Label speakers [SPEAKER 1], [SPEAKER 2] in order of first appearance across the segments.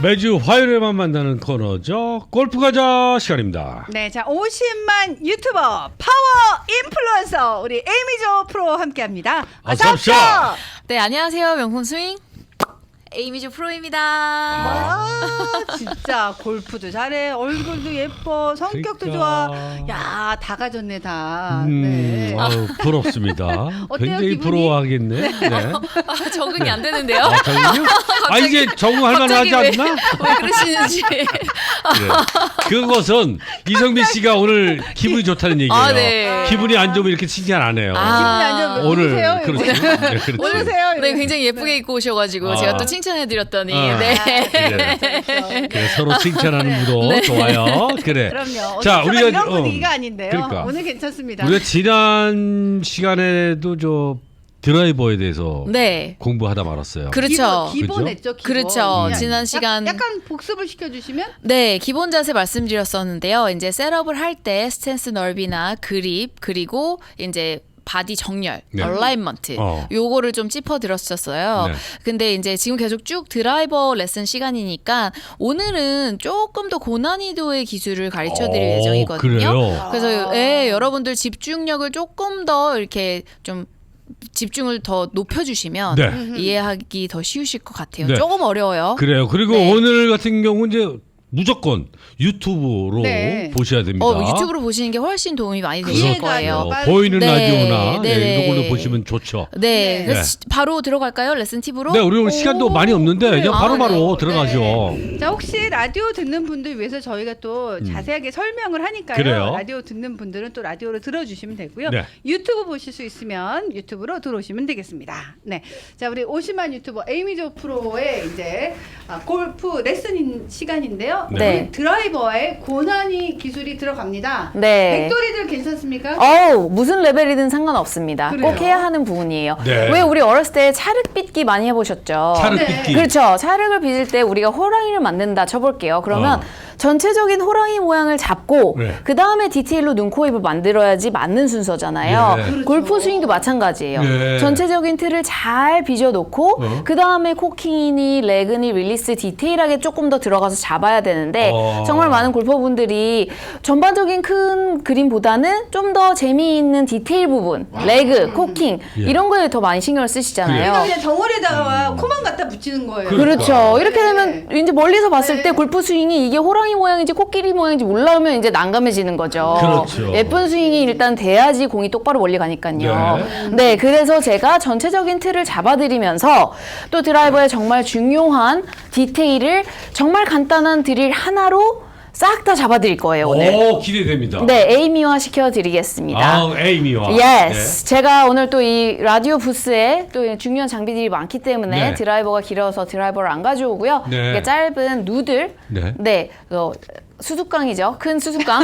[SPEAKER 1] 매주 화요일에만 만나는 코너죠. 골프 가자 시간입니다.
[SPEAKER 2] 네, 자 50만 유튜버 파워 인플루언서 우리 에이미조 프로 함께합니다. 어서 오십시오.
[SPEAKER 3] 네, 안녕하세요. 명품 스윙 에이미조 프로입니다.
[SPEAKER 2] 아, 진짜 골프도 잘해, 얼굴도 예뻐, 성격도
[SPEAKER 1] 그러니까.
[SPEAKER 2] 좋아. 야, 다 가졌네 다. 네.
[SPEAKER 1] 아유, 부럽습니다.
[SPEAKER 2] 어때요,
[SPEAKER 1] 굉장히
[SPEAKER 2] 기분이?
[SPEAKER 1] 부러워하겠네. 네.
[SPEAKER 3] 적응이 안 되는데요.
[SPEAKER 1] 아, 정말요? 아, 이제 적응할 만하지 않나?
[SPEAKER 3] 왜 그러시는지.
[SPEAKER 1] 네. 그것은 이성민 씨가 오늘 기분이 좋다는 얘기예요.
[SPEAKER 3] 아, 네.
[SPEAKER 1] 기분이 안 좋으면 이렇게 칭찬 안 해요.
[SPEAKER 3] 아,
[SPEAKER 2] 기분이 안 좋으면
[SPEAKER 1] 오늘
[SPEAKER 2] 누구세요?
[SPEAKER 1] 그렇지. 네, 그렇지.
[SPEAKER 2] 누구세요?
[SPEAKER 3] 네, 굉장히 예쁘게 입고 오셔가지고
[SPEAKER 1] 아.
[SPEAKER 3] 제가 또 칭찬해드렸더니
[SPEAKER 1] 아.
[SPEAKER 3] 네.
[SPEAKER 1] 그래, 서로 칭찬하는 무도 좋아요. 그래.
[SPEAKER 2] 그럼요.
[SPEAKER 1] 자, 우리가
[SPEAKER 2] 이런 분위기가 아닌데요.
[SPEAKER 1] 그러니까.
[SPEAKER 2] 오늘 괜찮습니다.
[SPEAKER 1] 우리가 지난 시간에도 저 드라이버에 대해서
[SPEAKER 3] 네.
[SPEAKER 1] 공부하다 말았어요.
[SPEAKER 3] 그렇죠.
[SPEAKER 2] 기본했죠. 기본.
[SPEAKER 3] 그렇죠.
[SPEAKER 2] 그냥
[SPEAKER 3] 지난 시간
[SPEAKER 2] 약간 복습을 시켜주시면.
[SPEAKER 3] 네, 기본 자세 말씀드렸었는데요. 이제 셋업을 할 때 스탠스 넓이나 그립 그리고 이제 바디 정렬,
[SPEAKER 1] 네.
[SPEAKER 3] 얼라인먼트 요거를 좀 짚어드렸었어요.
[SPEAKER 1] 네.
[SPEAKER 3] 근데 이제 지금 계속 쭉 드라이버 레슨 시간이니까 오늘은 조금 더 고난이도의 기술을 가르쳐드릴 예정이거든요.
[SPEAKER 1] 그래요?
[SPEAKER 3] 그래서 예, 여러분들 집중력을 조금 더 이렇게 좀 집중을 더 높여주시면
[SPEAKER 1] 네.
[SPEAKER 3] 이해하기 더 쉬우실 것 같아요.
[SPEAKER 1] 네.
[SPEAKER 3] 조금 어려워요.
[SPEAKER 1] 그래요. 그리고
[SPEAKER 3] 네.
[SPEAKER 1] 오늘 같은 경우 이제 무조건 유튜브로
[SPEAKER 2] 네.
[SPEAKER 1] 보셔야 됩니다.
[SPEAKER 3] 유튜브로 보시는 게 훨씬 도움이 많이 되실
[SPEAKER 2] 이해가
[SPEAKER 3] 거예요.
[SPEAKER 2] 안
[SPEAKER 1] 보이는
[SPEAKER 3] 네.
[SPEAKER 1] 라디오나
[SPEAKER 3] 네.
[SPEAKER 1] 이런 걸로 보시면 좋죠.
[SPEAKER 3] 네,
[SPEAKER 2] 네.
[SPEAKER 3] 그래서 바로 들어갈까요? 레슨 팁으로?
[SPEAKER 1] 네, 우리 오늘 시간도 많이 없는데
[SPEAKER 2] 그래요?
[SPEAKER 1] 그냥 바로바로
[SPEAKER 3] 아, 네.
[SPEAKER 1] 들어가죠.
[SPEAKER 2] 네. 자, 혹시 라디오 듣는 분들 위해서 저희가 또 자세하게 설명을 하니까요.
[SPEAKER 1] 그래요?
[SPEAKER 2] 라디오 듣는 분들은 또 라디오로 들어주시면 되고요.
[SPEAKER 1] 네.
[SPEAKER 2] 유튜브 보실 수 있으면 유튜브로 들어오시면 되겠습니다. 네, 자 우리 50만 유튜버 에이미조 프로의 이제 골프 레슨 시간인데요.
[SPEAKER 3] 네.
[SPEAKER 2] 우리 드라이버의 고난이 기술이 들어갑니다.
[SPEAKER 3] 네.
[SPEAKER 2] 백돌이들 괜찮습니까?
[SPEAKER 3] 무슨 레벨이든 상관없습니다.
[SPEAKER 2] 그래요?
[SPEAKER 3] 꼭 해야 하는 부분이에요.
[SPEAKER 1] 네.
[SPEAKER 3] 왜 우리 어렸을 때 차륵 빚기 많이 해보셨죠?
[SPEAKER 1] 차륵
[SPEAKER 2] 네.
[SPEAKER 1] 빚기.
[SPEAKER 3] 그렇죠. 차륵을 빚을 때 우리가 호랑이를 만든다 쳐볼게요. 그러면 전체적인 호랑이 모양을 잡고
[SPEAKER 1] 네.
[SPEAKER 3] 그 다음에 디테일로 눈, 코, 입을 만들어야지 맞는 순서잖아요.
[SPEAKER 1] 네.
[SPEAKER 2] 그렇죠.
[SPEAKER 3] 골프 스윙도 마찬가지예요.
[SPEAKER 1] 네.
[SPEAKER 3] 전체적인 틀을 잘 빚어놓고 그 다음에 코킹이니 레그니 릴리스 디테일하게 조금 더 들어가서 잡아야 되는데 정말 많은 골퍼분들이 전반적인 큰 그림보다는 좀 더 재미있는 디테일 부분, 레그, 코킹
[SPEAKER 1] 예.
[SPEAKER 3] 이런 거에 더 많이 신경을 쓰시잖아요.
[SPEAKER 2] 그냥 덩어리에다가 코만 갖다 붙이는 거예요.
[SPEAKER 3] 그렇죠. 이렇게
[SPEAKER 2] 네.
[SPEAKER 3] 되면 이제 멀리서 봤을
[SPEAKER 2] 네.
[SPEAKER 3] 때 골프 스윙이 이게 호랑이 모양인지 코끼리 모양인지 몰라오면 이제 난감해지는 거죠.
[SPEAKER 1] 그렇죠.
[SPEAKER 3] 예쁜 스윙이 일단 돼야지 공이 똑바로 멀리 가니까요. 네, 그래서 제가 전체적인 틀을 잡아드리면서 또 드라이버의 정말 중요한 디테일을 정말 간단한 드릴 하나로 싹 다 잡아드릴 거예요, 오늘.
[SPEAKER 1] 오, 기대됩니다.
[SPEAKER 3] 네, 에이미화 시켜드리겠습니다.
[SPEAKER 1] 아, 에이미와.
[SPEAKER 3] 예스. 제가 오늘 또 이 라디오 부스에 또 중요한 장비들이 많기 때문에
[SPEAKER 1] 네.
[SPEAKER 3] 드라이버가 길어서 드라이버를 안 가져오고요.
[SPEAKER 1] 네.
[SPEAKER 3] 이게 짧은 누들.
[SPEAKER 1] 네.
[SPEAKER 3] 수수깡이죠. 큰 수수깡.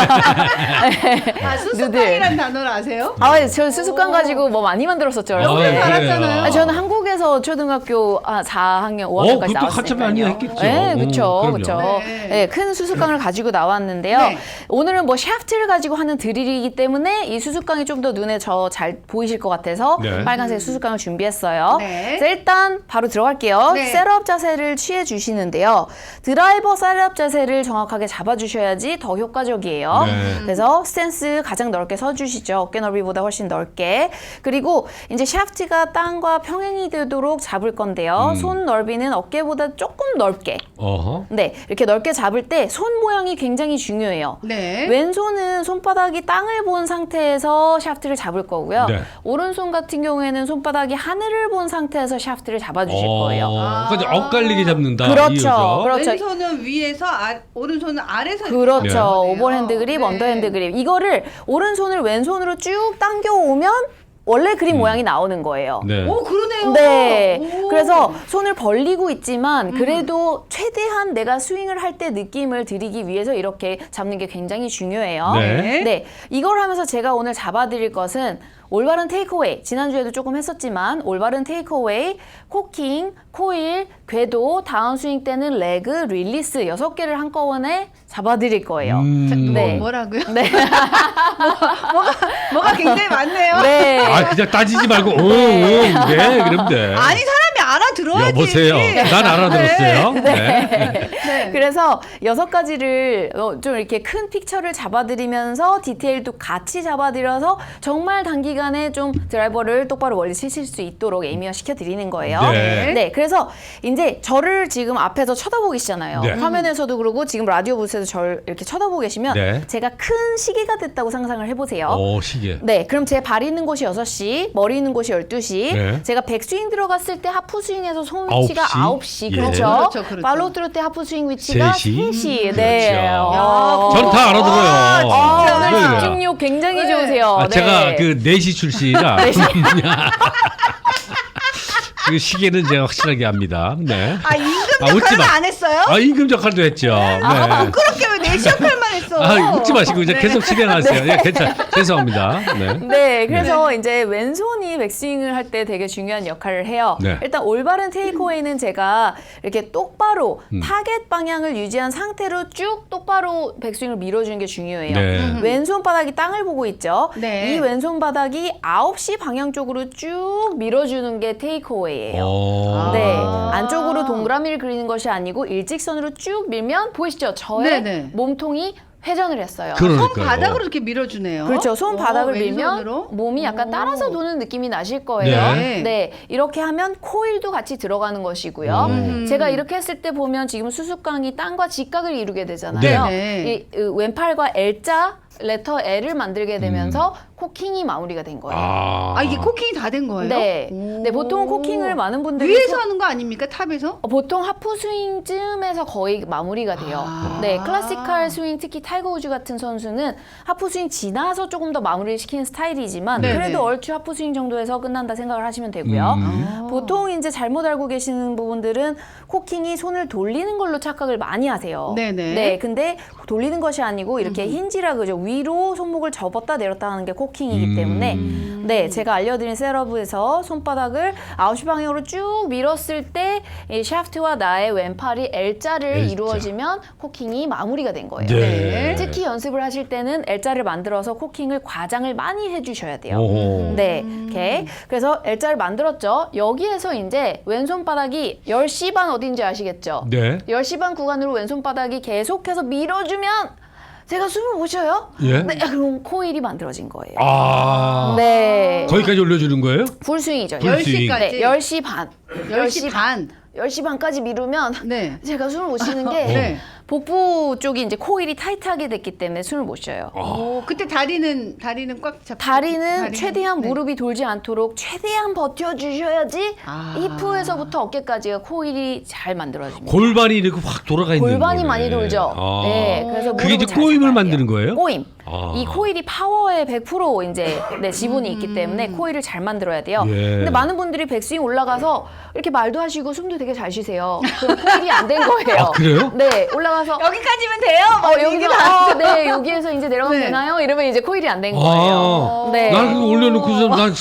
[SPEAKER 2] 수수깡이란 단어를 아세요?
[SPEAKER 3] 저 수수깡 가지고 뭐 많이 만들었었죠.
[SPEAKER 1] 아,
[SPEAKER 2] 영상
[SPEAKER 1] 그래요.
[SPEAKER 2] 알았잖아요.
[SPEAKER 3] 저는 한국에서 초등학교 4학년, 5학년까지
[SPEAKER 1] 그것도 한참 많이
[SPEAKER 3] 나왔으니까요.
[SPEAKER 1] 했겠죠.
[SPEAKER 3] 네, 그렇죠.
[SPEAKER 1] 그럼요.
[SPEAKER 3] 그렇죠.
[SPEAKER 2] 네.
[SPEAKER 3] 네, 큰 수수깡을 가지고 나왔는데요.
[SPEAKER 2] 네.
[SPEAKER 3] 오늘은 뭐 샤프트를 가지고 하는 드릴이기 때문에 이 수수깡이 좀 더 눈에 잘 보이실 것 같아서
[SPEAKER 1] 네.
[SPEAKER 3] 빨간색 수수깡을 준비했어요.
[SPEAKER 2] 네.
[SPEAKER 3] 자, 일단 바로 들어갈게요.
[SPEAKER 2] 네.
[SPEAKER 3] 셋업 자세를 취해 주시는데요. 드라이버 셋업 자세를 정확하게 잡아주셔야지 더 효과적이에요.
[SPEAKER 1] 네.
[SPEAKER 3] 그래서 스탠스 가장 넓게 서주시죠. 어깨 넓이보다 훨씬 넓게. 그리고 이제 샤프트가 땅과 평행이 되도록 잡을 건데요. 손 넓이는 어깨보다 조금 넓게.
[SPEAKER 1] 어허.
[SPEAKER 3] 네, 이렇게 넓게 잡을 때 손 모양이 굉장히 중요해요.
[SPEAKER 2] 네.
[SPEAKER 3] 왼손은 손바닥이 땅을 본 상태에서 샤프트를 잡을 거고요.
[SPEAKER 1] 네.
[SPEAKER 3] 오른손 같은 경우에는 손바닥이 하늘을 본 상태에서 샤프트를 잡아주실 거예요.
[SPEAKER 1] 그러니까 엇갈리게 잡는다.
[SPEAKER 3] 그렇죠.
[SPEAKER 1] 이거죠.
[SPEAKER 3] 그렇죠.
[SPEAKER 2] 왼손은 위에서, 오른손은 아래서.
[SPEAKER 3] 그렇죠.
[SPEAKER 2] 이렇게
[SPEAKER 3] 오버핸드 그립,
[SPEAKER 2] 네.
[SPEAKER 3] 언더핸드 그립. 이거를 오른손을 왼손으로 쭉 당겨오면 원래 그림 모양이 나오는 거예요.
[SPEAKER 1] 네.
[SPEAKER 2] 오, 그러네요.
[SPEAKER 3] 네.
[SPEAKER 2] 오.
[SPEAKER 3] 그래서 손을 벌리고 있지만 그래도 최대한 내가 스윙을 할 때 느낌을 드리기 위해서 이렇게 잡는 게 굉장히 중요해요.
[SPEAKER 1] 네.
[SPEAKER 3] 네. 이걸 하면서 제가 오늘 잡아드릴 것은 올바른 테이크어웨이, 지난주에도 조금 했었지만 올바른 테이크어웨이, 코킹, 코일, 궤도, 다운스윙 때는 레그, 릴리스 6개를 한꺼번에 잡아드릴 거예요. 네.
[SPEAKER 2] 뭐라고요?
[SPEAKER 3] 네.
[SPEAKER 2] 뭐가 굉장히 많네요.
[SPEAKER 3] 네.
[SPEAKER 1] 그냥 따지지 말고 네, 그럼 돼.
[SPEAKER 2] 아니, 사람이 알아들어야지.
[SPEAKER 1] 여보세요. 난 알아들었어요.
[SPEAKER 2] 네.
[SPEAKER 3] 그래서 6가지를 좀 이렇게 큰 픽처를 잡아드리면서 디테일도 같이 잡아드려서 정말 단기간에 좀 드라이버를 똑바로 멀리 치실 수 있도록 에이미화 시켜드리는 거예요.
[SPEAKER 1] 네.
[SPEAKER 3] 그래서 이제 저를 지금 앞에서 쳐다보고 계시잖아요.
[SPEAKER 1] 네.
[SPEAKER 3] 화면에서도 그러고 지금 라디오 부스에서 저를 이렇게 쳐다보고 계시면
[SPEAKER 1] 네.
[SPEAKER 3] 제가 큰 시계가 됐다고 상상을 해보세요.
[SPEAKER 1] 시계.
[SPEAKER 3] 네, 그럼 제 발 있는 곳이 6시, 머리 있는 곳이 12시.
[SPEAKER 1] 네.
[SPEAKER 3] 제가 백스윙 들어갔을 때 하프 스윙에서 손 위치가 9시.
[SPEAKER 1] 예.
[SPEAKER 3] 그렇죠.
[SPEAKER 2] 그렇죠.
[SPEAKER 3] 팔로우 트루 때 하프 스윙 위치가
[SPEAKER 1] 3시.
[SPEAKER 3] 3시. 네.
[SPEAKER 1] 그렇죠. 저는 다 알아들어요.
[SPEAKER 3] 오늘
[SPEAKER 1] 왜 그래요?
[SPEAKER 3] 집중력 굉장히
[SPEAKER 2] 네.
[SPEAKER 3] 좋으세요. 네.
[SPEAKER 1] 제가 그 4시 출시라 그 시계는 제가 확실하게 압니다. 네.
[SPEAKER 2] 임금
[SPEAKER 1] 웃지
[SPEAKER 2] 역할은
[SPEAKER 1] 마.
[SPEAKER 2] 안 했어요?
[SPEAKER 1] 임금 역할도 했죠. 네.
[SPEAKER 2] 부끄럽게 왜 내시 역할만 했어?
[SPEAKER 1] 웃지 마시고 이제 계속 진행하세요. 예, 죄송합니다. 네.
[SPEAKER 3] 네, 그래서 이제 왼손이 백스윙을 할 때 되게 중요한 역할을 해요.
[SPEAKER 1] 네.
[SPEAKER 3] 일단 올바른 테이크어웨이는 제가 이렇게 똑바로 타겟 방향을 유지한 상태로 쭉 똑바로 백스윙을 밀어주는 게 중요해요.
[SPEAKER 1] 네.
[SPEAKER 3] 왼손 바닥이 땅을 보고 있죠.
[SPEAKER 2] 네.
[SPEAKER 3] 이 왼손 바닥이 9시 방향 쪽으로 쭉 밀어주는 게 테이크어웨이예요. 네, 안쪽으로 동그라미를 그리는 것이 아니고 일직선으로 쭉 밀면 보이시죠? 저의
[SPEAKER 2] 네네.
[SPEAKER 3] 몸통이 회전을 했어요.
[SPEAKER 1] 그러니까요.
[SPEAKER 2] 손바닥으로 이렇게 밀어주네요.
[SPEAKER 3] 그렇죠. 손 바닥을
[SPEAKER 2] 왼손으로?
[SPEAKER 3] 밀면 몸이 약간 따라서 도는 느낌이 나실 거예요.
[SPEAKER 1] 네.
[SPEAKER 3] 네. 이렇게 하면 코일도 같이 들어가는 것이고요. 제가 이렇게 했을 때 보면 지금 수수깡이 땅과 직각을 이루게 되잖아요.
[SPEAKER 2] 네.
[SPEAKER 3] 이 왼팔과 L자 레터 L을 만들게 되면서 코킹이 마무리가 된 거예요.
[SPEAKER 2] 이게 코킹이 다 된 거예요?
[SPEAKER 3] 네.
[SPEAKER 2] 오.
[SPEAKER 3] 네, 보통 코킹을 많은 분들이
[SPEAKER 2] 위에서 하는 거 아닙니까? 탑에서?
[SPEAKER 3] 보통 하프 스윙쯤에서 거의 마무리가 돼요. 네, 클래시컬 스윙, 특히 타이거 우즈 같은 선수는 하프 스윙 지나서 조금 더 마무리를 시키는 스타일이지만
[SPEAKER 2] 네네.
[SPEAKER 3] 그래도 얼추 하프 스윙 정도에서 끝난다 생각을 하시면 되고요. 보통 이제 잘못 알고 계시는 부분들은 코킹이 손을 돌리는 걸로 착각을 많이 하세요.
[SPEAKER 2] 네네.
[SPEAKER 3] 네, 근데 돌리는 것이 아니고 이렇게 힌지라 그죠. 위로 손목을 접었다 내렸다 하는 게 코킹이기 때문에 네, 제가 알려드린 셋업에서 손바닥을 9시 방향으로 쭉 밀었을 때 이 샤프트와 나의 왼팔이 L자를
[SPEAKER 1] L자.
[SPEAKER 3] 이루어지면 코킹이 마무리가 된 거예요.
[SPEAKER 1] 네.
[SPEAKER 3] 특히 연습을 하실 때는 L자를 만들어서 코킹을 과장을 많이 해주셔야 돼요.
[SPEAKER 1] 오호.
[SPEAKER 3] 네, 오케이. 그래서 L자를 만들었죠. 여기에서 이제 왼손바닥이 10시 반 어딘지 아시겠죠?
[SPEAKER 1] 네.
[SPEAKER 3] 10시 반 구간으로 왼손바닥이 계속해서 밀어주면 제가 숨을 못 쉬어요?
[SPEAKER 1] 예.
[SPEAKER 3] 네, 그럼 코일이 만들어진 거예요.
[SPEAKER 1] 네.
[SPEAKER 3] 네.
[SPEAKER 1] 거기까지 올려주는 거예요?
[SPEAKER 3] 풀스윙이죠.
[SPEAKER 1] 풀스윙.
[SPEAKER 2] 10시까지?
[SPEAKER 3] 네, 10시 반.
[SPEAKER 2] 10시 반.
[SPEAKER 3] 10시 반까지 미루면
[SPEAKER 2] 네.
[SPEAKER 3] 제가 숨을 못 쉬는 게
[SPEAKER 2] 네.
[SPEAKER 3] 복부 쪽이 이제 코일이 타이트하게 됐기 때문에 숨을 못 쉬어요.
[SPEAKER 2] 그때 다리는 꽉 잡고.
[SPEAKER 3] 다리는 최대한
[SPEAKER 2] 네.
[SPEAKER 3] 무릎이 돌지 않도록 최대한 버텨주셔야지
[SPEAKER 2] 아.
[SPEAKER 3] 히프에서부터 어깨까지가 코일이 잘 만들어집니다.
[SPEAKER 1] 골반이 이렇게 확 돌아가 있는
[SPEAKER 3] 골반이
[SPEAKER 1] 거네.
[SPEAKER 3] 많이 돌죠.
[SPEAKER 1] 아.
[SPEAKER 3] 네, 그래서
[SPEAKER 1] 그게 이제
[SPEAKER 3] 무릎을 잘
[SPEAKER 1] 꼬임을
[SPEAKER 3] 잡아야
[SPEAKER 1] 만드는
[SPEAKER 3] 돼요.
[SPEAKER 1] 거예요?
[SPEAKER 3] 꼬임.
[SPEAKER 1] 아.
[SPEAKER 3] 이 코일이 파워의 100% 이제 지분이 있기 때문에 코일을 잘 만들어야 돼요.
[SPEAKER 1] 예.
[SPEAKER 3] 근데 많은 분들이 백스윙 올라가서 이렇게 말도 하시고 숨도 되게 잘 쉬세요. 그럼 코일이 안 된 거예요.
[SPEAKER 1] 아, 그래요?
[SPEAKER 3] 네, 올라가서
[SPEAKER 2] 여기까지면 돼요?
[SPEAKER 3] 여기가 네, 여기에서 이제 내려가면
[SPEAKER 2] 네.
[SPEAKER 3] 되나요? 이러면 이제 코일이 안 된 거예요. 네.
[SPEAKER 1] 난 그거 올려놓고서 난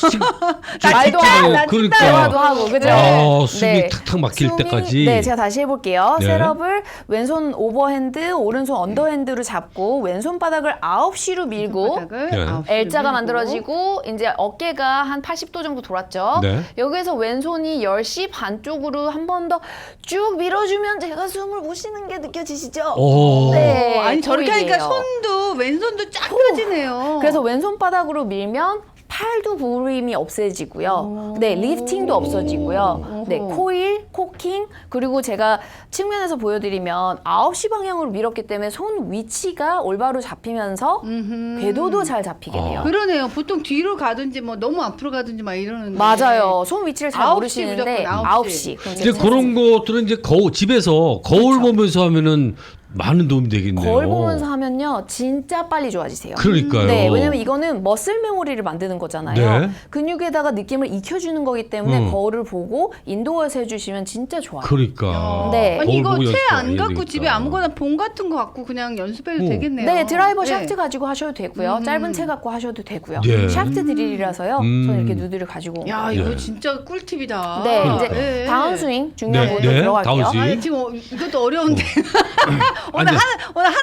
[SPEAKER 3] 말도 하고,
[SPEAKER 2] 나
[SPEAKER 1] 그러니까.
[SPEAKER 3] 대화도 하고, 그죠?
[SPEAKER 1] 숨이 탁탁 막힐 때까지.
[SPEAKER 3] 네, 제가 다시 해볼게요.
[SPEAKER 1] 네.
[SPEAKER 3] 셋업을 왼손 오버핸드, 오른손 언더핸드로 잡고 왼손 바닥을 9시로 밀고
[SPEAKER 1] 네.
[SPEAKER 3] L자가 만들어지고 이제 어깨가 한 80도 정도 돌았죠.
[SPEAKER 1] 네.
[SPEAKER 3] 여기에서 왼손이 10시 반 쪽으로 한 번 더 쭉 밀어주면 제가 숨을 못 쉬는 게 느껴지시죠?
[SPEAKER 1] 오.
[SPEAKER 3] 네,
[SPEAKER 2] 아니 저렇게 하니까
[SPEAKER 3] 코일이에요.
[SPEAKER 2] 손도 왼손도 쫙 펴지네요.
[SPEAKER 3] 그래서 왼손 바닥으로 밀면 팔도 부림이 없어지고요. 네, 리프팅도 없어지고요. 네, 코일, 코킹, 그리고 제가 측면에서 보여드리면 9시 방향으로 밀었기 때문에 손 위치가 올바로 잡히면서 궤도도 잘 잡히게 돼요.
[SPEAKER 2] 그러네요. 보통 뒤로 가든지 뭐 너무 앞으로 가든지 막 이러는데.
[SPEAKER 3] 맞아요. 손 위치를 잘
[SPEAKER 2] 9시
[SPEAKER 3] 모르시는데
[SPEAKER 2] 무조건
[SPEAKER 3] 9시. 그럼
[SPEAKER 1] 이제 그런 것들은 이제 집에서 거울 보면서 하면은 많은 도움이 되겠네요.
[SPEAKER 3] 거울 보면서 하면요, 진짜 빨리 좋아지세요.
[SPEAKER 1] 그러니까요.
[SPEAKER 3] 네, 왜냐면 이거는 머슬 메모리를 만드는 거잖아요.
[SPEAKER 1] 네.
[SPEAKER 3] 근육에다가 느낌을 익혀주는 거기 때문에 거울을 보고 인도어에서 해주시면 진짜 좋아요.
[SPEAKER 1] 그러니까.
[SPEAKER 3] 네.
[SPEAKER 2] 아니 이거
[SPEAKER 1] 거울 보고
[SPEAKER 2] 채 안
[SPEAKER 1] 연습해야
[SPEAKER 2] 갖고
[SPEAKER 1] 되겠다.
[SPEAKER 2] 집에 아무거나 봉 같은 거 갖고 그냥 연습해도 되겠네요.
[SPEAKER 3] 네, 드라이버
[SPEAKER 2] 네.
[SPEAKER 3] 샤프트 가지고 하셔도 되고요. 짧은 채 갖고 하셔도 되고요.
[SPEAKER 1] 네.
[SPEAKER 3] 샤프트 드릴이라서요. 저는 이렇게 누드를 가지고.
[SPEAKER 2] 야
[SPEAKER 1] 네.
[SPEAKER 2] 이거 진짜 꿀팁이다.
[SPEAKER 3] 네,
[SPEAKER 1] 그러니까요.
[SPEAKER 3] 이제
[SPEAKER 2] 네.
[SPEAKER 3] 다운 스윙 중요한
[SPEAKER 1] 네,
[SPEAKER 3] 부분
[SPEAKER 1] 네,
[SPEAKER 3] 들어갈게요.
[SPEAKER 1] 다운 스윙.
[SPEAKER 2] 아니 지금 이것도 어려운데 오늘
[SPEAKER 1] 아니,
[SPEAKER 2] 하나만 하면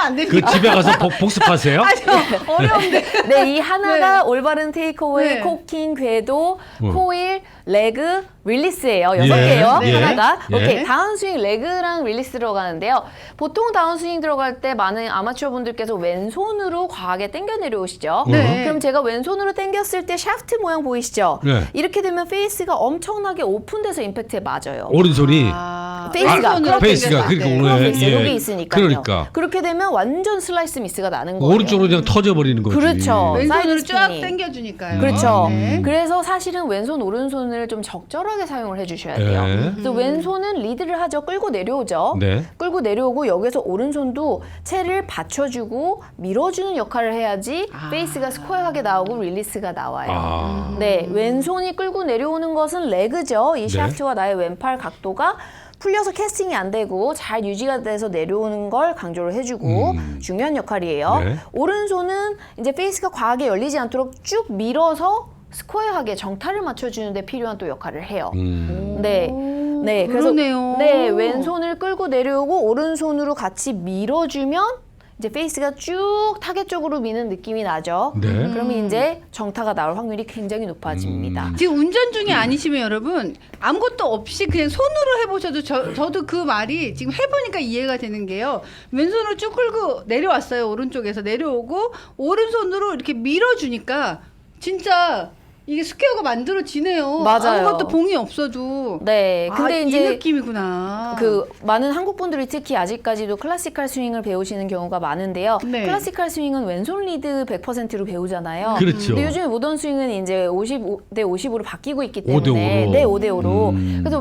[SPEAKER 2] 안 됩니다.
[SPEAKER 1] 그 집에 가서 복습하세요?
[SPEAKER 2] 어려운데.
[SPEAKER 3] 네, 이 하나가 올바른 테이크어웨이,
[SPEAKER 2] 네.
[SPEAKER 3] 코킹, 궤도, 코일, 레그, 릴리스예요. 6개예요.
[SPEAKER 1] 예.
[SPEAKER 3] 하나가.
[SPEAKER 1] 예.
[SPEAKER 3] 오케이. 다운스윙 레그랑 릴리스 들어가는데요. 보통 다운스윙 들어갈 때 많은 아마추어 분들께서 왼손으로 과하게 당겨 내려오시죠.
[SPEAKER 2] 네.
[SPEAKER 3] 그럼 제가 왼손으로 당겼을 때 샤프트 모양 보이시죠?
[SPEAKER 1] 네.
[SPEAKER 3] 이렇게 되면 페이스가 엄청나게 오픈돼서 임팩트에 맞아요.
[SPEAKER 1] 오른손이
[SPEAKER 3] 페이스가
[SPEAKER 2] 왼손으로
[SPEAKER 1] 페이스가
[SPEAKER 2] 당겼을 때.
[SPEAKER 1] 그러니까
[SPEAKER 3] 페이스
[SPEAKER 1] 예.
[SPEAKER 3] 여기 있으니까요.
[SPEAKER 1] 그러니까
[SPEAKER 3] 그렇게 되면 완전 슬라이스 미스가 나는 거예요.
[SPEAKER 1] 오른쪽으로 그냥 터져버리는 거지.
[SPEAKER 3] 그렇죠.
[SPEAKER 2] 왼손으로
[SPEAKER 3] 사이드
[SPEAKER 2] 쫙
[SPEAKER 3] 스피닝.
[SPEAKER 2] 당겨주니까요.
[SPEAKER 3] 그렇죠.
[SPEAKER 2] 네.
[SPEAKER 3] 그래서 사실은 왼손 오른손을 좀 적절하게 사용을 해주셔야 돼요.
[SPEAKER 1] 네.
[SPEAKER 3] 그래서 왼손은 리드를 하죠. 끌고 내려오죠.
[SPEAKER 1] 네.
[SPEAKER 3] 끌고 내려오고 여기서 오른손도 채를 받쳐주고 밀어주는 역할을 해야지 페이스가 스퀘어하게 나오고 릴리스가 나와요.
[SPEAKER 1] 아.
[SPEAKER 3] 네, 왼손이 끌고 내려오는 것은 레그죠. 이 샤프트와 나의 왼팔 각도가 풀려서 캐스팅이 안 되고 잘 유지가 돼서 내려오는 걸 강조를 해주고 중요한 역할이에요.
[SPEAKER 1] 네.
[SPEAKER 3] 오른손은 이제 페이스가 과하게 열리지 않도록 쭉 밀어서 스퀘어하게 정타를 맞춰주는 데 필요한 또 역할을 해요. 네. 네, 그래서
[SPEAKER 2] 그러네요.
[SPEAKER 3] 네, 왼손을 끌고 내려오고 오른손으로 같이 밀어주면 이제 페이스가 쭉 타겟 쪽으로 미는 느낌이 나죠.
[SPEAKER 1] 네.
[SPEAKER 3] 그러면 이제 정타가 나올 확률이 굉장히 높아집니다.
[SPEAKER 2] 지금 운전 중에 아니시면 여러분 아무것도 없이 그냥 손으로 해보셔도 저도 그 말이 지금 해보니까 이해가 되는 게요. 왼손으로 쭉 끌고 내려왔어요. 오른쪽에서 내려오고 오른손으로 이렇게 밀어주니까 진짜 이게 스퀘어가 만들어지네요.
[SPEAKER 3] 맞아요.
[SPEAKER 2] 아무것도 봉이 없어도.
[SPEAKER 3] 네, 근데
[SPEAKER 2] 이
[SPEAKER 3] 이제
[SPEAKER 2] 느낌이구나.
[SPEAKER 3] 그 많은 한국 분들이 특히 아직까지도 클래시컬 스윙을 배우시는 경우가 많은데요.
[SPEAKER 2] 네.
[SPEAKER 3] 클래시컬 스윙은 왼손 리드 100%로 배우잖아요.
[SPEAKER 1] 그렇죠.
[SPEAKER 3] 근데 요즘에 모던 스윙은 이제 55대 50으로 바뀌고 있기
[SPEAKER 1] 5대 5
[SPEAKER 3] 때문에
[SPEAKER 1] 로.
[SPEAKER 3] 네, 5대 5로. 그래서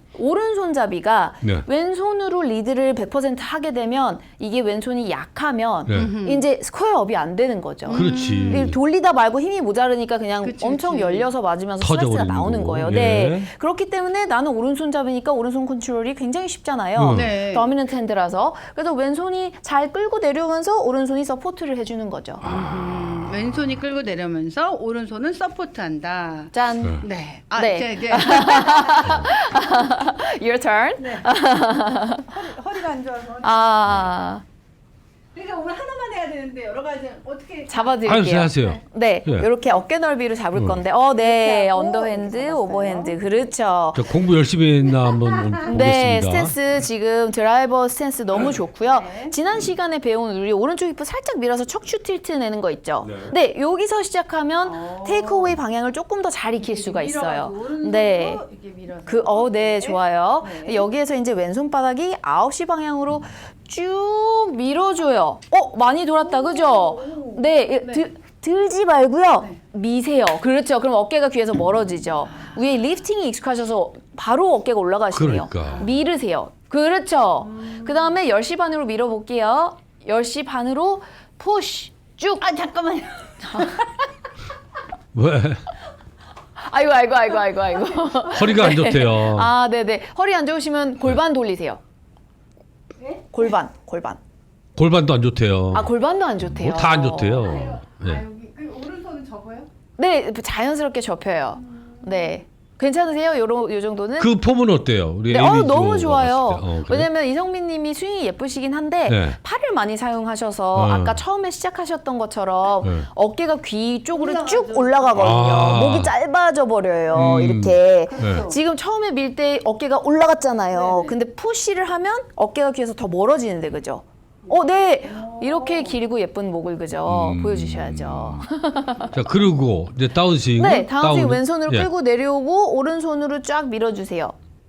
[SPEAKER 3] 오른손잡이가
[SPEAKER 1] 네.
[SPEAKER 3] 왼손으로 리드를 100% 하게 되면 이게 왼손이 약하면
[SPEAKER 1] 네.
[SPEAKER 3] 이제 스퀘어업이 안 되는 거죠.
[SPEAKER 1] 그렇지.
[SPEAKER 3] 돌리다 말고 힘이 모자르니까 그냥
[SPEAKER 2] 그치,
[SPEAKER 3] 엄청
[SPEAKER 2] 그치.
[SPEAKER 3] 열려서 맞으면서 스트레스가
[SPEAKER 1] 터져버리는
[SPEAKER 3] 나오는
[SPEAKER 1] 거고.
[SPEAKER 3] 거예요.
[SPEAKER 1] 예.
[SPEAKER 3] 네. 그렇기 때문에 나는 오른손 잡으니까 오른손 컨트롤이 굉장히 쉽잖아요.
[SPEAKER 2] 네.
[SPEAKER 3] 더미넌트 핸드라서. 그래서 왼손이 잘 끌고 내려오면서 오른손이 서포트를 해주는 거죠.
[SPEAKER 2] 왼손이 끌고 내려면서 오른손은 서포트한다.
[SPEAKER 3] 짠.
[SPEAKER 2] 네.
[SPEAKER 3] 네.
[SPEAKER 2] 이제
[SPEAKER 3] Your turn.
[SPEAKER 2] 허리가 안 좋아서.
[SPEAKER 3] 아,
[SPEAKER 2] 그러니까 오늘 하나만 해야 되는데 여러 가지 어떻게
[SPEAKER 3] 잡아드릴게요.
[SPEAKER 1] 하세요.
[SPEAKER 3] 네,
[SPEAKER 1] 예.
[SPEAKER 3] 이렇게 어깨 넓이로 잡을 건데, 네, 언더핸드, 오버핸드, 그렇죠.
[SPEAKER 1] 저 공부 열심히 했나 한번 보겠습니다.
[SPEAKER 3] 네, 스탠스 지금 드라이버 스탠스 너무 좋고요. 지난 시간에 배운 우리 오른쪽 힙을 살짝 밀어서 척추 틸트 내는 거 있죠. 네, 여기서 시작하면 테이크어웨이 방향을 조금 더 잘 익힐 수가 있어요. 네.
[SPEAKER 2] 이렇게 밀어서.
[SPEAKER 3] 네, 좋아요. 여기에서 이제 왼손바닥이 9시 방향으로 쭉 밀어줘요. 많이 돌았다, 그죠? 네, 들지 말고요. 미세요. 그렇죠. 그럼 어깨가 귀에서 멀어지죠. 위에 리프팅이 익숙하셔서 바로 어깨가 올라가시네요.
[SPEAKER 1] 그러니까.
[SPEAKER 3] 밀으세요. 그렇죠. 그 다음에 10시 반으로 밀어볼게요. 10시 반으로 푸시 쭉.
[SPEAKER 2] 잠깐만요.
[SPEAKER 1] 왜?
[SPEAKER 3] 아이고.
[SPEAKER 1] 허리가 안 좋대요.
[SPEAKER 3] 아, 네네. 허리 안 좋으시면 골반 돌리세요. 골반.
[SPEAKER 1] 골반도 안 좋대요.
[SPEAKER 3] 아, 골반도 안 좋대요.
[SPEAKER 1] 뭐 다 안 좋대요. 네.
[SPEAKER 2] 여기 오른손은 접어요?
[SPEAKER 3] 네, 자연스럽게 접혀요. 네. 괜찮으세요? 요 정도는?
[SPEAKER 1] 그 폼은 어때요? 우리
[SPEAKER 3] 네,
[SPEAKER 1] 에이미즈로
[SPEAKER 3] 너무 좋아요.
[SPEAKER 1] 봤을 때. 그래요?
[SPEAKER 3] 왜냐면 이성민 님이 스윙이 예쁘시긴 한데
[SPEAKER 1] 네.
[SPEAKER 3] 팔을 많이 사용하셔서 아까 처음에 시작하셨던 것처럼
[SPEAKER 1] 네.
[SPEAKER 3] 어깨가 귀 쪽으로 쭉 올라가거든요.
[SPEAKER 1] 아.
[SPEAKER 3] 목이 짧아져 버려요. 이렇게.
[SPEAKER 1] 네.
[SPEAKER 3] 지금 처음에 밀 때 어깨가 올라갔잖아요. 근데 푸시를 하면 어깨가 귀에서 더 멀어지는데 그죠? 네. 이렇게 길고 예쁜 목을 그죠? 보여주셔야죠.
[SPEAKER 1] 자, 그리고 이제 다운스윙.
[SPEAKER 3] 네, 다운스윙 왼손으로
[SPEAKER 1] 예.
[SPEAKER 3] 끌고 내려오고 오른손으로 쫙 밀어주세요.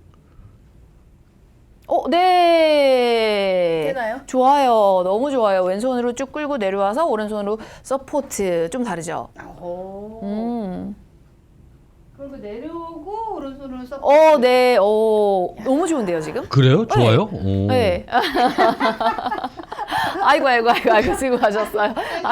[SPEAKER 3] 네.
[SPEAKER 2] 되나요?
[SPEAKER 3] 좋아요. 너무 좋아요. 왼손으로 쭉 끌고 내려와서 오른손으로 서포트. 좀 다르죠?
[SPEAKER 2] 그리고 내려오고 오른손으로 서포트.
[SPEAKER 3] 네. 너무 좋은데요, 지금?
[SPEAKER 1] 그래요? 좋아요? 오.
[SPEAKER 3] 네. 아이고, 수고하셨어요.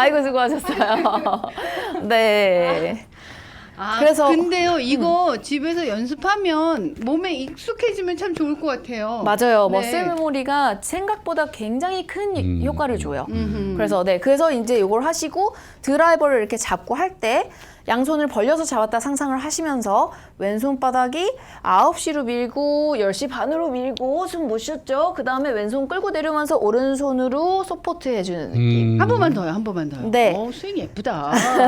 [SPEAKER 3] 네. 그래서
[SPEAKER 2] 근데요 이거 집에서 연습하면 몸에 익숙해지면 참 좋을 것 같아요.
[SPEAKER 3] 맞아요.
[SPEAKER 2] 네.
[SPEAKER 3] 머슬 메모리가 생각보다 굉장히 큰 효과를 줘요.
[SPEAKER 2] 음흠.
[SPEAKER 3] 그래서 이제 이걸 하시고 드라이버를 이렇게 잡고 할 때 양손을 벌려서 잡았다 상상을 하시면서 왼손바닥이 9시로 밀고 10시 반으로 밀고 숨 못 쉬었죠. 그 다음에 왼손 끌고 내려오면서 오른손으로 서포트 해주는 느낌.
[SPEAKER 2] 한 번만 더요. 한 번만 더요.
[SPEAKER 3] 네.
[SPEAKER 2] 스윙 예쁘다.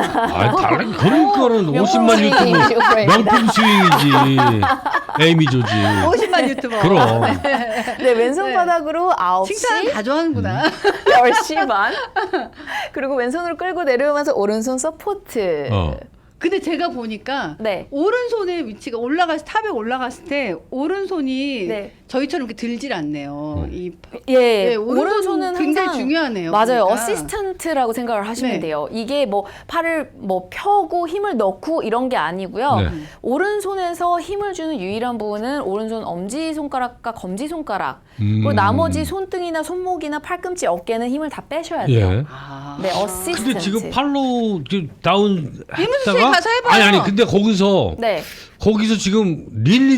[SPEAKER 1] 다른 그런 거는 50만
[SPEAKER 3] 스윙,
[SPEAKER 1] 유튜브
[SPEAKER 3] 스윙.
[SPEAKER 1] 명품 스윙이지. 에이미 조지.
[SPEAKER 2] 50만 유튜버.
[SPEAKER 1] 그럼.
[SPEAKER 3] 네, 왼손바닥으로 9시,
[SPEAKER 2] 칭찬 다 좋아하는구나.
[SPEAKER 3] 10시 반. 그리고 왼손으로 끌고 내려오면서 오른손 서포트.
[SPEAKER 2] 근데 제가 보니까
[SPEAKER 3] 네.
[SPEAKER 2] 오른손의 위치가 탑에 올라갔을 때 오른손이
[SPEAKER 3] 네.
[SPEAKER 2] 저희처럼 이렇게 들질 않네요.
[SPEAKER 3] 예,
[SPEAKER 2] 오른손은 굉장히
[SPEAKER 3] 항상
[SPEAKER 2] 중요하네요.
[SPEAKER 3] 맞아요.
[SPEAKER 2] 보니까.
[SPEAKER 3] 어시스턴트라고 생각을 하시면
[SPEAKER 2] 네.
[SPEAKER 3] 돼요. 이게 뭐 팔을 뭐 펴고 힘을 넣고 이런 게 아니고요.
[SPEAKER 1] 네.
[SPEAKER 3] 오른손에서 힘을 주는 유일한 부분은 오른손 엄지 손가락과 검지 손가락. 그리고 나머지 손등이나 손목이나 팔꿈치, 어깨는 힘을 다 빼셔야 돼요.
[SPEAKER 1] 예.
[SPEAKER 3] 네, 어시스턴트.
[SPEAKER 1] 근데 지금 팔로 지금 다운
[SPEAKER 2] 이문수 씨
[SPEAKER 1] 했다가
[SPEAKER 2] 가서 해봐요.
[SPEAKER 1] 아니 근데 거기서
[SPEAKER 3] 네.
[SPEAKER 1] 지금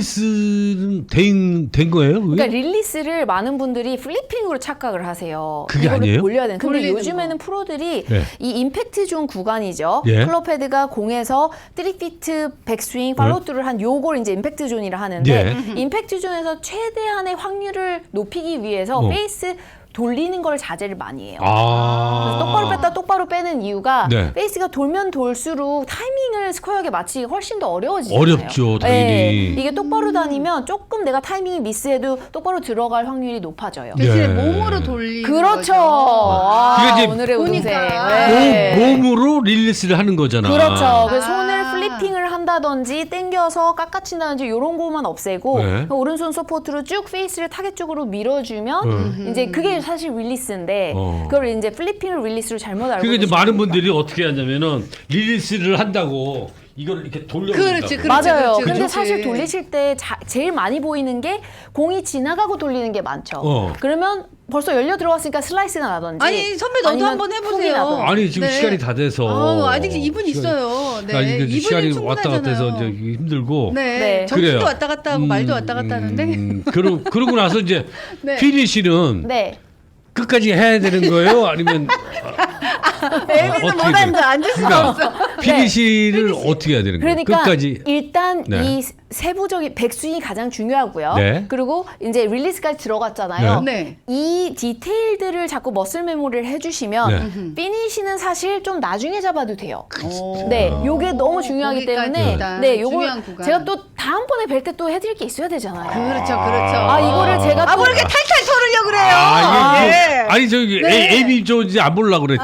[SPEAKER 1] 릴리스는 된 거예요? 그게?
[SPEAKER 3] 그러니까 릴리스를 많은 분들이 플리핑으로 착각을 하세요.
[SPEAKER 1] 그게
[SPEAKER 3] 이거를
[SPEAKER 1] 아니에요?
[SPEAKER 3] 돌려야 되는. 근데
[SPEAKER 2] 돌리는
[SPEAKER 3] 요즘에는 프로들이
[SPEAKER 1] 네.
[SPEAKER 3] 이 임팩트 존 구간이죠.
[SPEAKER 1] 예.
[SPEAKER 3] 클럽 헤드가 공에서 3피트 백스윙 팔로우트를 한 요걸 이제 임팩트 존이라 하는데
[SPEAKER 1] 예.
[SPEAKER 3] 임팩트 존에서 최대한의 확률을 높이기 위해서 페이스 돌리는 걸 자제를 많이 해요. 그래서 똑바로 뺐다 똑바로 빼는 이유가
[SPEAKER 1] 네.
[SPEAKER 3] 페이스가 돌면 돌수록 타이밍을 스퀘어하게 맞추기가 훨씬 더 어려워지잖아요.
[SPEAKER 1] 어렵죠, 당연히.
[SPEAKER 3] 이게 똑바로 다니면 조금 내가 타이밍이 미스해도 똑바로 들어갈 확률이 높아져요.
[SPEAKER 2] 대신에
[SPEAKER 1] 네.
[SPEAKER 2] 몸으로 돌리는
[SPEAKER 3] 그렇죠.
[SPEAKER 2] 거죠.
[SPEAKER 3] 아,
[SPEAKER 1] 그게 이제
[SPEAKER 3] 오늘의 우동생.
[SPEAKER 2] 보니까.
[SPEAKER 3] 네.
[SPEAKER 1] 몸으로 릴리스를 하는 거잖아.
[SPEAKER 3] 그렇죠. 그래서
[SPEAKER 2] 아.
[SPEAKER 3] 손을 플리핑을 한다든지 당겨서 깎아친다든지 이런 거만 없애고
[SPEAKER 1] 네.
[SPEAKER 3] 오른손 서포트로 쭉 페이스를 타겟 쪽으로 밀어주면 이제 그게 사실 릴리스인데 그걸 이제 플리핑을 릴리스로 잘못 알고
[SPEAKER 1] 그러니까 이제
[SPEAKER 3] 계시는
[SPEAKER 1] 많은
[SPEAKER 3] 거죠.
[SPEAKER 1] 분들이 어떻게 하냐면은 릴리스를 한다고 이걸 이렇게 돌려본다고.
[SPEAKER 2] 그렇지.
[SPEAKER 3] 맞아요.
[SPEAKER 2] 그렇지.
[SPEAKER 3] 근데 사실 돌리실 때 제일 많이 보이는 게 공이 지나가고 돌리는 게 많죠. 그러면 벌써 열려 들어갔으니까 슬라이스가 나든지.
[SPEAKER 2] 아니 선배 너도
[SPEAKER 3] 아니면
[SPEAKER 2] 한번
[SPEAKER 3] 훅이
[SPEAKER 2] 해보세요.
[SPEAKER 3] 나든지.
[SPEAKER 1] 아니 지금
[SPEAKER 2] 네.
[SPEAKER 1] 시간이 다 돼서
[SPEAKER 2] 아직 2분 있어요. 네.
[SPEAKER 1] 아니,
[SPEAKER 2] 2분이
[SPEAKER 1] 시간이
[SPEAKER 2] 충분하잖아요.
[SPEAKER 1] 왔다 갔다 해서 이제 힘들고.
[SPEAKER 2] 네.
[SPEAKER 3] 네.
[SPEAKER 2] 정신도
[SPEAKER 1] 그래요.
[SPEAKER 2] 왔다 갔다 하고 말도 왔다 갔다 하는데.
[SPEAKER 1] 그러고 나서 이제
[SPEAKER 2] 네.
[SPEAKER 1] 피니시는
[SPEAKER 3] 네.
[SPEAKER 1] 끝까지 해야 되는 거예요? 아니면
[SPEAKER 2] 에미는
[SPEAKER 1] 어떻게
[SPEAKER 2] 못 앉아. 앉을 수가 없어.
[SPEAKER 1] 피니시를 어떻게 해야 되는 거예요?
[SPEAKER 3] 그러니까
[SPEAKER 1] 끝까지.
[SPEAKER 3] 일단
[SPEAKER 1] 네.
[SPEAKER 3] 이 세부적인 백스윙이 가장 중요하고요.
[SPEAKER 1] 네.
[SPEAKER 3] 그리고 이제 릴리스까지 들어갔잖아요.
[SPEAKER 2] 네.
[SPEAKER 3] 이 디테일들을 자꾸 머슬 메모리를 해주시면 피니시는 사실 좀 나중에 잡아도 돼요. 네, 요게 너무 중요하기
[SPEAKER 2] 거기까지
[SPEAKER 3] 때문에
[SPEAKER 2] 일단
[SPEAKER 3] 네, 요걸
[SPEAKER 2] 중요한 구간.
[SPEAKER 3] 제가 또 다음번에 뵐 때 또 해드릴 게 있어야 되잖아요.
[SPEAKER 2] 그렇죠.
[SPEAKER 3] 아, 이거를 제가 또
[SPEAKER 2] 뭐 이렇게 탈탈 털으려고 그래요.
[SPEAKER 1] 이게
[SPEAKER 2] 네.
[SPEAKER 1] 아니 저기
[SPEAKER 2] 네.
[SPEAKER 1] 에이미 조지 안 보려고 그랬지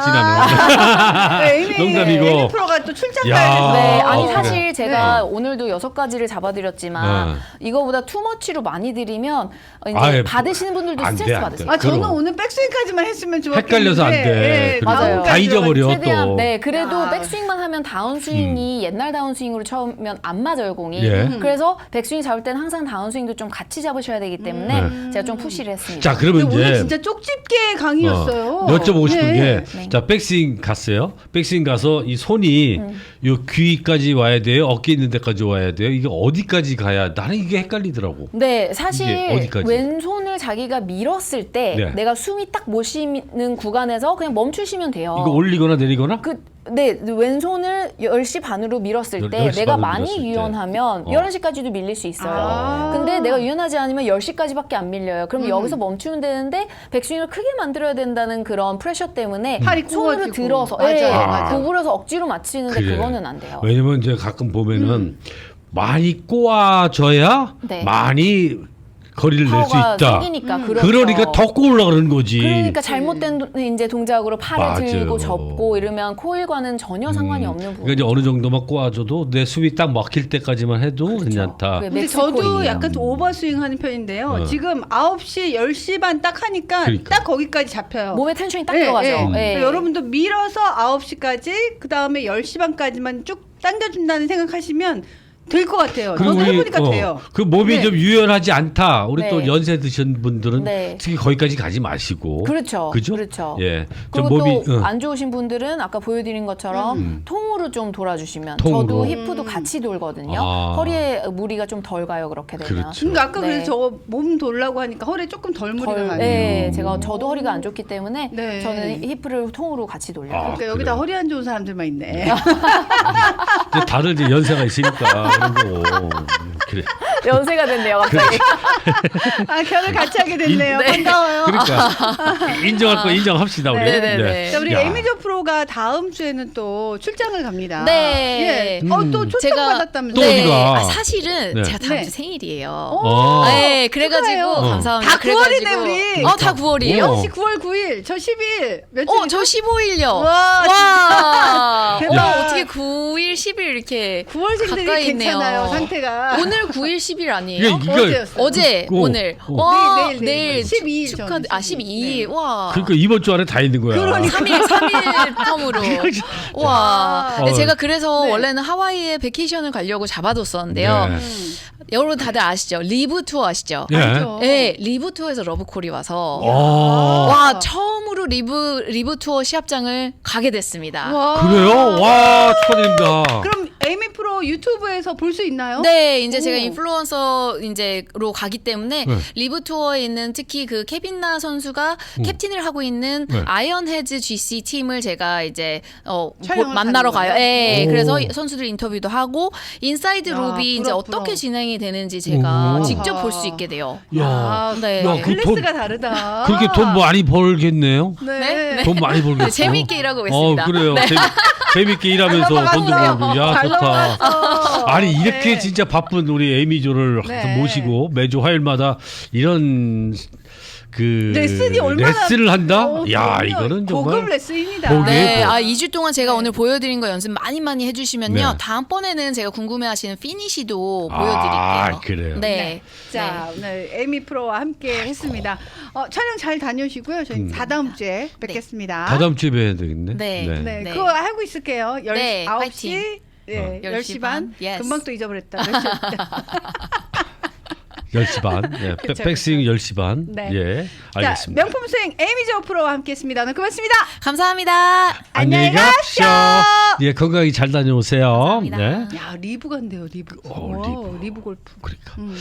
[SPEAKER 1] 나는.
[SPEAKER 2] 에이미
[SPEAKER 1] 농담이고.
[SPEAKER 2] 프로가 또 출장
[SPEAKER 1] 야.
[SPEAKER 2] 가야 돼서.
[SPEAKER 3] 네, 아니
[SPEAKER 1] 그래.
[SPEAKER 3] 사실 제가 오늘도 6가지를 잡아드렸지만
[SPEAKER 1] 네.
[SPEAKER 3] 이거보다 투머치로 많이 드리면 이제
[SPEAKER 1] 아예
[SPEAKER 3] 받으시는 분들도
[SPEAKER 1] 안 돼,
[SPEAKER 3] 스트레스
[SPEAKER 1] 안
[SPEAKER 3] 받으세요.
[SPEAKER 1] 돼.
[SPEAKER 2] 아 저는
[SPEAKER 1] 그럼.
[SPEAKER 2] 오늘 백스윙까지만 했으면 좋았겠는데.
[SPEAKER 1] 헷갈려서 안 돼.
[SPEAKER 2] 예,
[SPEAKER 1] 그리고
[SPEAKER 3] 맞아요.
[SPEAKER 1] 다 잊어버려
[SPEAKER 3] 최대한
[SPEAKER 1] 또.
[SPEAKER 3] 네 그래도
[SPEAKER 2] 아.
[SPEAKER 3] 백스윙만 하면 다운스윙이 옛날 다운스윙으로 처음면 안 맞아요 공이.
[SPEAKER 1] 예.
[SPEAKER 3] 그래서 백스윙 잡을 때는 항상 다운스윙도 좀 같이 잡으셔야 되기 때문에 제가 좀 푸시를 했습니다.
[SPEAKER 1] 자 그러면
[SPEAKER 2] 근데 오늘
[SPEAKER 1] 이제
[SPEAKER 2] 진짜 쪽집게 강의였어요.
[SPEAKER 1] 여쭤보고 싶은
[SPEAKER 2] 네.
[SPEAKER 1] 게, 자, 백스윙 갔어요. 백스윙 가서 이 손이 요 귀까지 와야 돼요? 어깨 있는 데까지 와야 돼요? 이게 어디까지 가야, 나는 이게 헷갈리더라고.
[SPEAKER 3] 네, 사실
[SPEAKER 1] 이게 어디까지?
[SPEAKER 3] 왼손을 자기가 밀었을 때
[SPEAKER 1] 네.
[SPEAKER 3] 내가 숨이 딱 못 쉬는 구간에서 그냥 멈추시면 돼요.
[SPEAKER 1] 이거 올리거나 내리거나?
[SPEAKER 3] 네, 왼손을 10시 반으로 밀었을 때
[SPEAKER 1] 10시
[SPEAKER 3] 내가
[SPEAKER 1] 반으로
[SPEAKER 3] 많이
[SPEAKER 1] 밀었을 때.
[SPEAKER 3] 유연하면 11시까지도 밀릴 수 있어요.
[SPEAKER 2] 아.
[SPEAKER 3] 근데 내가 유연하지 않으면 10시까지밖에 안 밀려요. 그럼 여기서 멈추면 되는데 백스윙을 크게 만들어야 된다는 그런 프레셔 때문에
[SPEAKER 2] 팔이
[SPEAKER 3] 손으로
[SPEAKER 2] 구워지고.
[SPEAKER 3] 들어서
[SPEAKER 2] 맞아요,
[SPEAKER 3] 예,
[SPEAKER 2] 맞아요.
[SPEAKER 3] 구부려서 억지로 맞추는데
[SPEAKER 1] 그래.
[SPEAKER 3] 그거는 안 돼요.
[SPEAKER 1] 왜냐면 이제 가끔 보면은 많이 꼬아져야
[SPEAKER 3] 네.
[SPEAKER 1] 많이 거리를 낼 수
[SPEAKER 3] 파워가
[SPEAKER 1] 있다.
[SPEAKER 3] 생기니까 그렇죠.
[SPEAKER 1] 그러니까 더 꼬으려고 그러는 거지.
[SPEAKER 3] 그러니까 잘못된 이제 동작으로 팔을
[SPEAKER 1] 맞아요.
[SPEAKER 3] 들고 접고 이러면 코일과는 전혀 상관이 없는 부분.
[SPEAKER 1] 그러니까 이제 어느 정도만 꼬아줘도 내 숨이 딱 막힐 때까지만 해도 괜찮다.
[SPEAKER 3] 그게
[SPEAKER 2] 근데 저도
[SPEAKER 3] 맥스코일이에요.
[SPEAKER 2] 약간 좀 오버스윙 하는 편인데요. 지금 9시, 10시 반 딱 하니까
[SPEAKER 1] 그러니까.
[SPEAKER 2] 딱 거기까지 잡혀요.
[SPEAKER 3] 몸에 텐션이 딱
[SPEAKER 2] 예,
[SPEAKER 3] 들어가죠.
[SPEAKER 2] 예.
[SPEAKER 3] 예.
[SPEAKER 2] 그러니까 여러분도 밀어서 9시까지, 그 다음에 10시 반까지만 쭉 당겨준다는 생각하시면 될 것 같아요.
[SPEAKER 1] 그리고
[SPEAKER 2] 저도
[SPEAKER 1] 우리,
[SPEAKER 2] 해보니까 돼요.
[SPEAKER 1] 그 몸이
[SPEAKER 2] 네.
[SPEAKER 1] 좀 유연하지 않다. 우리
[SPEAKER 3] 네.
[SPEAKER 1] 또 연세 드신 분들은
[SPEAKER 3] 네.
[SPEAKER 1] 특히 거기까지 가지 마시고.
[SPEAKER 3] 그렇죠.
[SPEAKER 1] 그죠?
[SPEAKER 3] 그렇죠.
[SPEAKER 1] 예. 좀
[SPEAKER 3] 그리고
[SPEAKER 1] 몸이
[SPEAKER 3] 또 안 좋으신 분들은 아까 보여드린 것처럼 통으로 좀 돌아주시면
[SPEAKER 1] 통으로.
[SPEAKER 3] 저도 히프도 같이 돌거든요.
[SPEAKER 1] 아.
[SPEAKER 3] 허리에 무리가 좀 덜 가요. 그렇게 되면.
[SPEAKER 1] 그렇죠.
[SPEAKER 2] 그러니까 아까
[SPEAKER 3] 네.
[SPEAKER 2] 그래서 저 몸 돌라고 하니까 허리에 조금 덜 무리가 가네요.
[SPEAKER 3] 네, 저도 허리가 안 좋기 때문에
[SPEAKER 2] 네.
[SPEAKER 3] 저는 히프를 통으로 같이 돌려요.
[SPEAKER 1] 아.
[SPEAKER 2] 그러니까 여기다
[SPEAKER 1] 그래요?
[SPEAKER 2] 허리 안 좋은 사람들만 있네.
[SPEAKER 1] 이제 다들 이제 연세가 있으니까 그런 거고. 그래.
[SPEAKER 3] 연세가 됐네요, 갑자기.
[SPEAKER 2] 아, 결혼 같이 하게 됐네요.
[SPEAKER 3] 네.
[SPEAKER 2] 반가워요.
[SPEAKER 1] 그러니까 인정할 거 인정합시다 우리.
[SPEAKER 3] 네네네.
[SPEAKER 2] 자, 우리
[SPEAKER 1] 야.
[SPEAKER 2] 에미저 프로가 다음 주에는 또 출장을 갑니다.
[SPEAKER 3] 네.
[SPEAKER 2] 예. 또 초청 받았다면서요?
[SPEAKER 1] 또 어디가?
[SPEAKER 4] 사실은
[SPEAKER 1] 네.
[SPEAKER 4] 제가 다음
[SPEAKER 2] 네.
[SPEAKER 4] 주 생일이에요.
[SPEAKER 1] 어.
[SPEAKER 4] 네, 그래가지고
[SPEAKER 2] 축하해요.
[SPEAKER 4] 감사합니다.
[SPEAKER 2] 다 9월이네 우리.
[SPEAKER 4] 다 9월이에요?
[SPEAKER 1] 어.
[SPEAKER 2] 혹시 9월 9일, 저 10일 며칠?
[SPEAKER 4] 저 15일요.
[SPEAKER 2] 와,
[SPEAKER 4] 와,
[SPEAKER 2] 대박.
[SPEAKER 4] 와, 어떻게 9일, 10일 이렇게
[SPEAKER 2] 9월생들이
[SPEAKER 4] 가까이
[SPEAKER 2] 괜찮아요,
[SPEAKER 4] 있네요.
[SPEAKER 2] 상태가.
[SPEAKER 4] 오늘 9일, 10일 아니에요?
[SPEAKER 1] 이게
[SPEAKER 2] 어제였어요.
[SPEAKER 4] 어제,
[SPEAKER 1] 어,
[SPEAKER 4] 오늘.
[SPEAKER 1] 어.
[SPEAKER 4] 와,
[SPEAKER 2] 내일,
[SPEAKER 4] 내일
[SPEAKER 2] 12일
[SPEAKER 4] 축하,
[SPEAKER 2] 저는
[SPEAKER 4] 12일. 와.
[SPEAKER 1] 그러니까 이번 주 안에 다 있는 거야.
[SPEAKER 2] 그러니까.
[SPEAKER 4] 3일 텀으로. 와.
[SPEAKER 1] 어.
[SPEAKER 4] 제가 그래서
[SPEAKER 2] 네.
[SPEAKER 4] 원래는 하와이에 베케이션을 가려고 잡아뒀었는데요.
[SPEAKER 1] 네.
[SPEAKER 4] 여러분 다들 아시죠? 리브 투어 아시죠?
[SPEAKER 1] 예.
[SPEAKER 2] 알죠.
[SPEAKER 4] 네, 리브 투어에서 러브콜이 와서
[SPEAKER 1] 어.
[SPEAKER 4] 와, 처음으로 리브 투어 시합장을 가게 됐습니다.
[SPEAKER 2] 와.
[SPEAKER 1] 그래요? 와 축하드립니다.
[SPEAKER 2] 그럼 에이미 프로 유튜브에서 볼 수 있나요?
[SPEAKER 4] 네, 이제 제가
[SPEAKER 2] 오.
[SPEAKER 4] 인플루언서 이제로 가기 때문에
[SPEAKER 1] 네.
[SPEAKER 4] 리브 투어에 있는 특히 그 케빈나 선수가 캡틴을 하고 있는
[SPEAKER 1] 네.
[SPEAKER 4] 아이언 헤즈 GC 팀을 제가 이제
[SPEAKER 2] 촬영을
[SPEAKER 4] 만나러
[SPEAKER 2] 가는
[SPEAKER 4] 가요. 네,
[SPEAKER 1] 오.
[SPEAKER 4] 그래서 선수들 인터뷰도 하고 인사이드
[SPEAKER 2] 야,
[SPEAKER 4] 롭이 이제
[SPEAKER 2] 부럽,
[SPEAKER 4] 어떻게
[SPEAKER 2] 부러워.
[SPEAKER 4] 진행이 되는지 제가
[SPEAKER 1] 오.
[SPEAKER 4] 직접 볼 수 있게 돼요.
[SPEAKER 1] 야,
[SPEAKER 2] 아,
[SPEAKER 4] 네.
[SPEAKER 1] 야, 그
[SPEAKER 2] 클래스가 다르다.
[SPEAKER 1] 그렇게 돈 많이 벌겠네요.
[SPEAKER 2] 네.
[SPEAKER 4] 네?
[SPEAKER 1] 돈 많이 벌겠어.
[SPEAKER 4] 네, 재미있게 일하고 있습니다.
[SPEAKER 1] 그래요.
[SPEAKER 4] 네.
[SPEAKER 1] 재밌게 일하면서 돈도 벌고. 야
[SPEAKER 2] 잘
[SPEAKER 1] 좋다.
[SPEAKER 2] 넘어갔어.
[SPEAKER 1] 아니 이렇게
[SPEAKER 2] 네.
[SPEAKER 1] 진짜 바쁜 우리 에이미조를
[SPEAKER 2] 네.
[SPEAKER 1] 모시고 매주 화요일마다 이런 그
[SPEAKER 2] 레슨이 얼마나
[SPEAKER 1] 레슨을 한다?
[SPEAKER 2] 어,
[SPEAKER 1] 야
[SPEAKER 2] 그럼요.
[SPEAKER 1] 이거는 정말
[SPEAKER 2] 고급 레슨입니다.
[SPEAKER 1] 보기-
[SPEAKER 4] 네,
[SPEAKER 1] 뭐.
[SPEAKER 4] 2주 동안 제가 오늘 보여드린 거 연습 많이 해주시면요.
[SPEAKER 1] 네.
[SPEAKER 4] 다음번에는 제가 궁금해하시는 피니시도
[SPEAKER 1] 아,
[SPEAKER 4] 보여드릴게요.
[SPEAKER 1] 그래요?
[SPEAKER 4] 네.
[SPEAKER 2] 자, 오늘 에이미 프로와 함께 했습니다. 촬영 잘 다녀오시고요. 저희 다다음 주에 뵙겠습니다.
[SPEAKER 1] 다다음 주에 뵈야 되겠네.
[SPEAKER 4] 네.
[SPEAKER 2] 네,
[SPEAKER 4] 네.
[SPEAKER 2] 그거 하고 있을게요.
[SPEAKER 4] 네,
[SPEAKER 2] 9시,
[SPEAKER 4] 파이팅.
[SPEAKER 2] 네, 10시
[SPEAKER 4] 10시
[SPEAKER 2] 반.
[SPEAKER 4] 반. Yes.
[SPEAKER 2] 금방 또 잊어버렸다. 몇 시였다.
[SPEAKER 1] 10시 반. 예,
[SPEAKER 2] 그쵸,
[SPEAKER 1] 백스윙 10시 반.
[SPEAKER 2] 네.
[SPEAKER 1] 예.
[SPEAKER 2] 자,
[SPEAKER 1] 알겠습니다.
[SPEAKER 2] 명품 스윙 에이미저 프로와 함께했습니다. 오늘 고맙습니다.
[SPEAKER 4] 감사합니다.
[SPEAKER 2] 안녕히
[SPEAKER 1] 가십시오. 예, 건강히 잘 다녀오세요.
[SPEAKER 4] 감사합니다.
[SPEAKER 1] 네.
[SPEAKER 2] 야, 리브 간대요, 리브.
[SPEAKER 1] 리브.
[SPEAKER 2] 리브 골프.
[SPEAKER 1] 그러니까.